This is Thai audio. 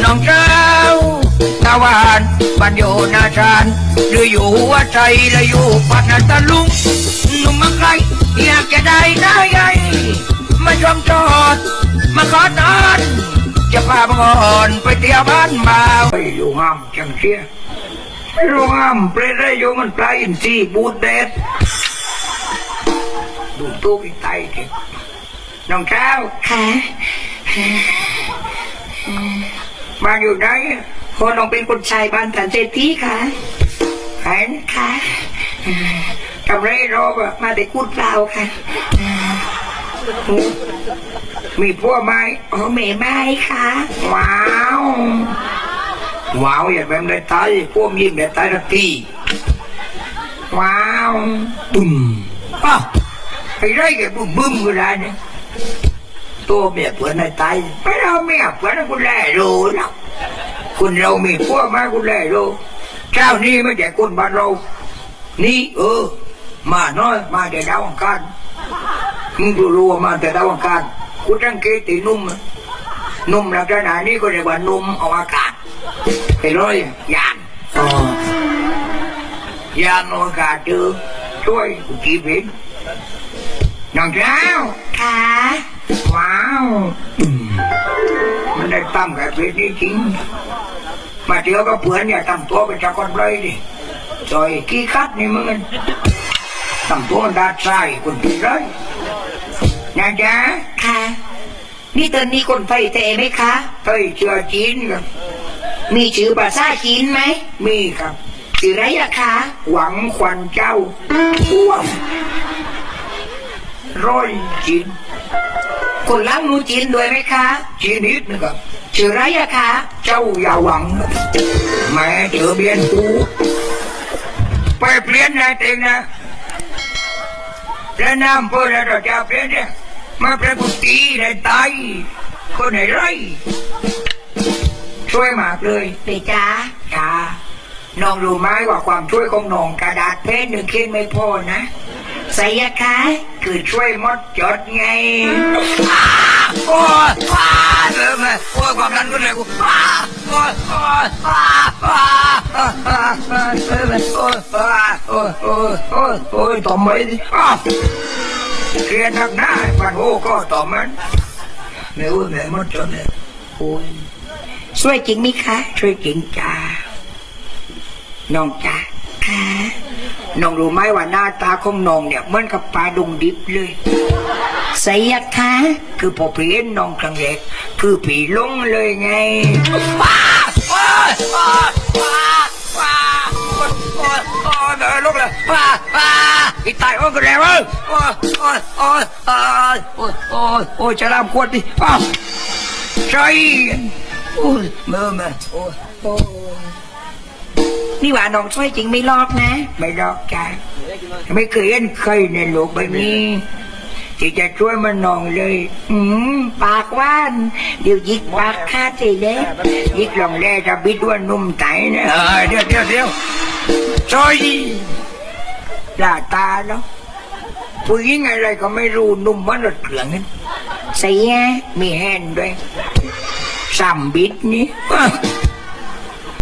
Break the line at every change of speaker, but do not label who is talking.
น้องเจ้าตะวันบ้านอยู่นาชานหรืออยู่หัวใจและอยู่ปัตตาลุงหนุ่มมาไกลอยากจะได้ได้ไงมาชมจอดมาขอนอนจะพาบังอ่อนไปเที่ยวบ้านบ่าวไปอยู่ห้ามจังเชียไม่รู้ห้ามเปรตได้อยู่มันปลาอินทรีบูดเด็ดดูตู้ไปไตเก็บน้องเจ้า
ค่ะ
บ้านอยู่ไหน
คนน้องเป็นคนชายบ้านสันเจตีค่ะ
เห็น
ค่ะ
ทำไรรอบอะ
มาแต่กูดเปล่าค่ะ
มีพวกไม้
อ๋อเมย์ไม้ค่ะ
ว้าวว้าวอย่าแบบได้ตายพวกยิงได้ตายทันทีว้าวบุ้มอ้าวไอ้ไรแกบุ้มบึ้มก็ได้เนี่ยตัวเมียเพื่อนได้ตายไม่เราเมียเพื่อนคุณแล่รู้หรอกคุณเรามีพวกมาคุณแล่รู้เจ้านี่ไม่ใช่คนบ้านเรานี่มาน้อยมาแต่ดาวอังคารมึงรู้ว่ามาแต่ดาวอังคารกูตั้งเกตินุ่มลักษณะนี้ก็เรียกว่านุ่มเอาอากาศไปเลยยานยานอากาศเจอช่วยกูจีบเห็นน้องเจ้า
ค่ะ
ว้าวมันได้ตั้มกับเพชรนี่จริงมาเที่ยวกับเพื่อนเนี่ยตั้มตัวเป็นจากคนเลยดิซอยขี้คัดนี่มึงตั้มตัวด้านซ้ายคนตีเลยนะจ๊ะ
ค่ะนี่ตอนนี้คนไฟเตะไหมคะ
เฮ้ยเชื่อจีนครับ
มีชื่อภาษาจีนไหม
มีครับ
ชื่ออะไรล่ะคะ
หวังควันเจ้าว้าวร้อยจีน
คนล้างนูจีนด้วยไหมคะ
จีนนิดนะครับ
ชื่ออะไรล่ะคะ
เจ้าอย่าหวังแม่เจอเบียนกูไปเปลี่ยนนายเต็งนะแล้วน้ำเพื่อเราจะเปลี่ยนเนี่ยมาเป็นกุฏิในตายคนไหนไรช่วยมากเลย
เปจ้า
จ้าน้องรู้ไหมว่าความช่วยของน้องกระดาษเพชรหนึ่งเขียนไม่พอนะ
ใส่ยาคะ
คือช่วยมดจดไงโอ้ยเริ่มเลยโอ้ยความดันขึ้นเลยกูโอ้ยโอ้ยโอ้ยต่อมไปดิเครียดนักหน้าปันโอ้ก็ต่อมันไม่รู้แม่มดจดเลยโอ้ย
ช่วยจริงไหมคะ
ช่วยจริงจ้าน้องจ้า
ค่ะ
น้องรู้ไหมว่าหน้าตาของน้องเนี่ยเหมือนกับปลาดุงดิบเลย
ใส่ยาคะ
คือพอผีเห็นน้องครั้งแรกคือผีลงเลยไงเดินลุกเลยอีตายโอ้ก็แล้วโอ้จะรำขวดดิใช่โอ้ยเมื่อ
นี่ว่าน้องช่วยจริงไม่ลอกนะ
ไม่ลอกจ้าไม่เคยเห็นใครในโลกใบนี้ที่จะช่วยมันน้องเลย
ปากว่านเดี๋ยวยิกปากคาดเลยเลย
ยิกลองแร่จะบิดว่านุ่มไตนะเดี๋ยวช่วยหน้าตาเนาะผู้หญิงอะไรก็ไม่รู้นุ่มมันรถเกลืองนั่น
ใส่ยา
มีแฮนด้วยซ้ำบิดนี่